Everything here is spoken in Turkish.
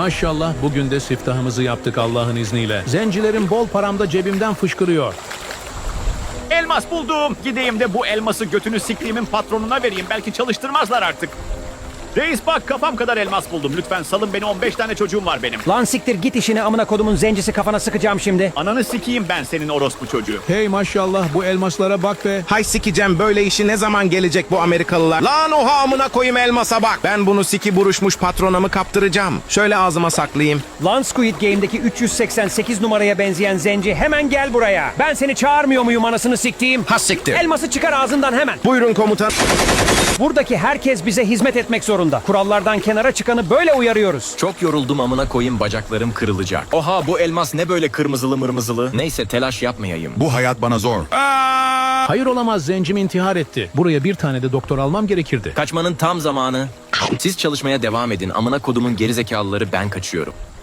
Maşallah bugün de siftahımızı yaptık Allah'ın izniyle. Zencilerin bol paramda cebimden fışkırıyor. Elmas buldum. Gideyim de bu elması götünü siktiğimin patronuna vereyim. Belki çalıştırmazlar artık. Reis bak, kafam kadar elmas buldum. Lütfen salın beni, 15 tane çocuğum var benim. Lan siktir git işine, amına kodumun zencisi, kafana sıkacağım şimdi. Ananı sikeyim ben senin orospu çocuğu. Hey maşallah bu elmaslara bak be. Hay sikeceğim, böyle işi ne zaman gelecek bu Amerikalılar? Lan oha, amına koyayım elmasa bak. Ben bunu siki buruşmuş patronamı kaptıracağım. Şöyle ağzıma saklayayım. Lan Squid Game'deki 388 numaraya benzeyen zenci, hemen gel buraya. Ben seni çağırmıyor muyum anasını siktiğim? Ha siktir. Elması çıkar ağzından hemen. Buyurun komutan. Buradaki herkes bize hizmet etmek zorunda. Kurallardan kenara çıkanı böyle uyarıyoruz. Çok yoruldum, amına koyayım, bacaklarım kırılacak. Oha, bu elmas ne böyle kırmızılı mırmızılı? Neyse, telaş yapmayayım. Bu hayat bana zor. Hayır olamaz, zencim intihar etti. Buraya bir tane de doktor almam gerekirdi. Kaçmanın tam zamanı. Siz çalışmaya devam edin, amına kodumun gerizekalıları, ben kaçıyorum.